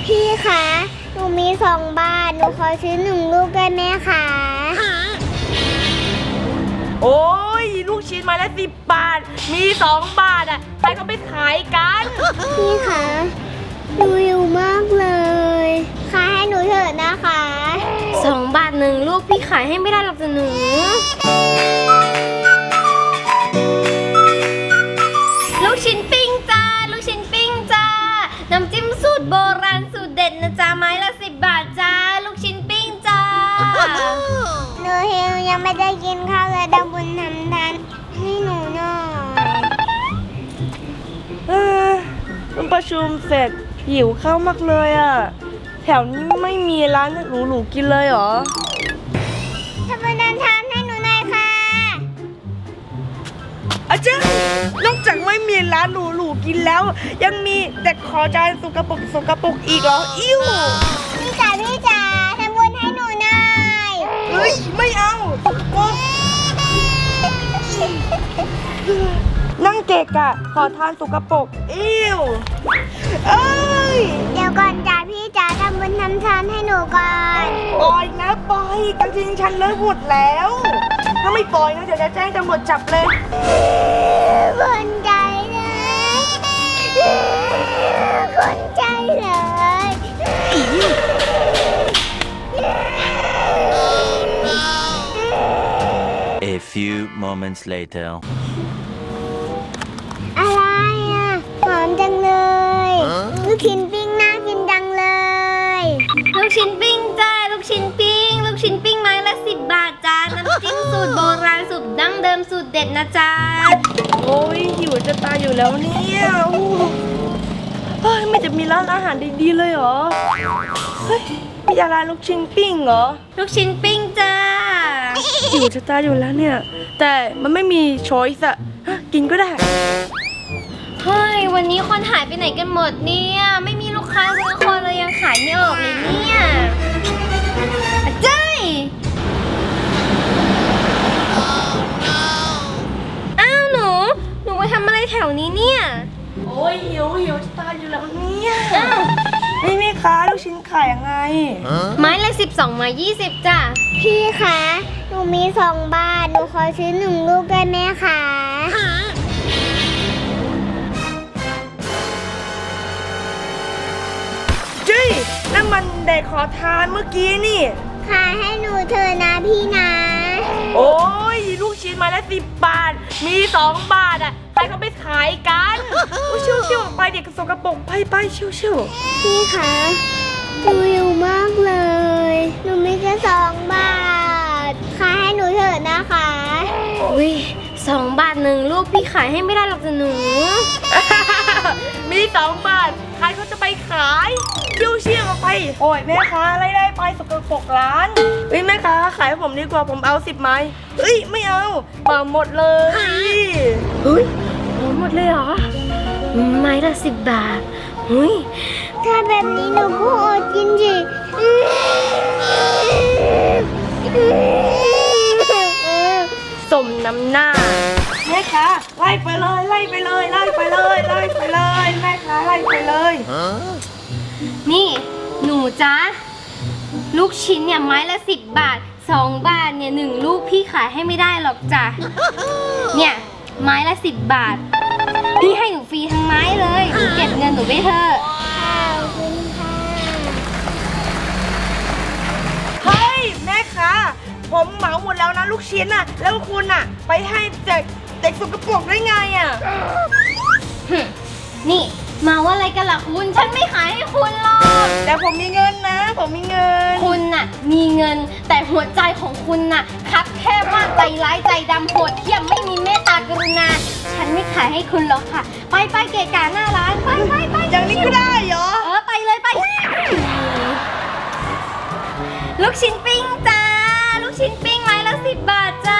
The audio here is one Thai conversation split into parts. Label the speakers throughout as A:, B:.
A: พี่คะหนูมี2 บาทหนูขอซื้อ1 ลูกได้ไหมคะ
B: โอ้ยลูกชิ้นไม้ละ10 บาทมี2 บาทอ่ะใครเขาไปขายกัน
A: พี่คะหนูหิวมากเลยขายให้หนูเถอะนะคะ
C: 2 บาท1 ลูกพี่ขายให้ไม่ได้หรอกจ้ะหนูลูกชิ้นปิ้งจ้าลูกชิ้นปิ้งจ้าน้ำจิ้มสูตรโบราณสูตรเด็ดนะจ๊ะไม้ละ10 บาทจ้าลูกชิ้นปิ้งจ้า
A: หนูหิวยังไม่ได้กินข้าวเลยดำบุญทำทานให้หนูหน่อย
B: มันประชุมเสร็จหิวข้าวมากเลยอ่ะแถวนี้ไม่มีร้านหรูๆกินเลยเหรอ
A: ทำบุญทำทานให้หนูหน่อยค่ะ
B: อาจารย์นอกจากไม่มีร้านหรูๆกินแล้วยังมีแต่ขอจานสกปรกอีกเหรออิ่ว
A: พี่จ๋าทำบุญให้หนูหน่อย
B: เฮ้ยไม่เอาสกปรกนั่งเกะกะขอทานสกปรกอิ่วเอ้ย
A: เดี๋ยวก่อนจ๋าพี่จ๋าทำบุญทำทานให้หนูก่อน
B: ปล่อยนะปล่อยกางเกงฉันเลอะหมดแล้วถ้าไม่ปล่อยนะเดี๋ยวจะแจ้งตำรวจจับเลย
A: คนใจเลยคนใจเลย
D: A few moments later
A: อะไรอ่ะหอมจังเลยลูกชิ้นปิ้งน่ากินจังเลย
C: ลูกชิ้นปิ้งจ้าลูกชิ้นปิ้งไม้ละ10 บาทจ้าน้ำจิ้มสูตรโบราณสูตรดั้งเดิมสูตรเด็ดนะจ๊ะ
B: โอ้ยหิวจะตายอยู่แล้วเนี่ยเฮ้ยไม่จะมีร้านอาหารดีๆเลยเหรอเฮ้ยมีร้านลูกชิ้นปิ้งเหรอ
C: ลูกชิ้นปิ้งจ้า
B: หิวจะตายอยู่แล้วเนี่ยแต่มันไม่มีช้อยส์อะกินก็ได้
C: เฮ้ยวันนี้คนหายไปไหนกันหมดเนี่ยไม่มีลูกค้าสักคนเลยยังขายไม่ออกเลยเนี่ยอาจารย์อ้าวหนูมาทำอะไรแถวนี้เนี่ย
B: โอ้ยหิวจะตายอยู่แล้วเนี่ยนี่แม่ค้าลูกชิ้นขายยังไง
C: ไม้ละ12 ไม้20จ้ะ
A: พี่คะหนูมี2 บาทหนูขอซื้อ1 ลูกได้ไหมคะ
B: จี้นั่นมันเด็กขอทานเมื่อกี้นี่
A: ขายให้หนูเถอะนะพี่นะ
B: โอ้ยลูกชิ้นไม้ละ10 บาทมี2 บาทอ่ะใครเขาไปขายกันชิวๆไปเด็กสกปรกไปชิว
A: ๆพี่คะหนูหิวมากเลยหนูมีแค่2 บาทขายให้หนูเถอะนะคะ
C: อุ้ย2 บาท1 ลูกพี่ขายให้ไม่ได้หรอกจ้ะหนู
B: มี2 บาทใครเขาจะไปขายชิวๆไปโอ้ยแม่ค้าไล่ไปสกปรกร้านเฮ้ยแม่ค้าขายให้ผมดีกว่าผมเอา10 ไม้เฮ้ยไม่เอามาหมดเลย
C: เฮ้ยหมดเลยเหรอไม้ละ10 บาทเฮ้ย
A: ถ้าแบบนี้หนูก็อดกินสิ
B: สมน้ำหน้าแม่ค้าไล่ไปเลยแม่ค้าไล่ไปเลย
C: นี่หนูจ๊ะลูกชิ้นเนี่ยไม้ละ10 บาท2 บาทเนี่ย1 ลูกพี่ขายให้ไม่ได้หรอกจ้ะเนี่ยไม้ละ10 บาทพี่ให้หนูฟรีทั้งไม้เลยหนูเก็บเงินหนูไปเถอะ
B: เฮ้ยแม่ค้าผมเหมาหมดแล้วนะลูกชิ้นน่ะแล้วคุณน่ะไปให้เด็กสกปรกได้ไงอ่ะ
C: นี่มาว่าอะไรกันล่ะคุณฉันไม่ขายให้คุณหรอก
B: แต่ผมมีเงินนะผมมีเงิน
C: คุณน่ะมีเงินแต่หัวใจของคุณน่ะคับแคบมากใจร้ายใจดำโหดเหี้ยมไม่มีเมตตากรุณาฉันไม่ขายให้คุณหรอกค่ะไปเกะกะหน้าร้านไป
B: อย่างนี้ก็ได้เหรอ
C: ไปเลยไปลูกชิ้นปิ้งจ้าลูกชิ้นปิ้งไม้ละ10 บาทจ้า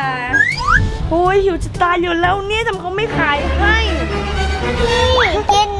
B: โอ้ยหิวจะตายอยู่แล้วเนี่ยทำไมเขาไม่ขายให้
A: พี่กิน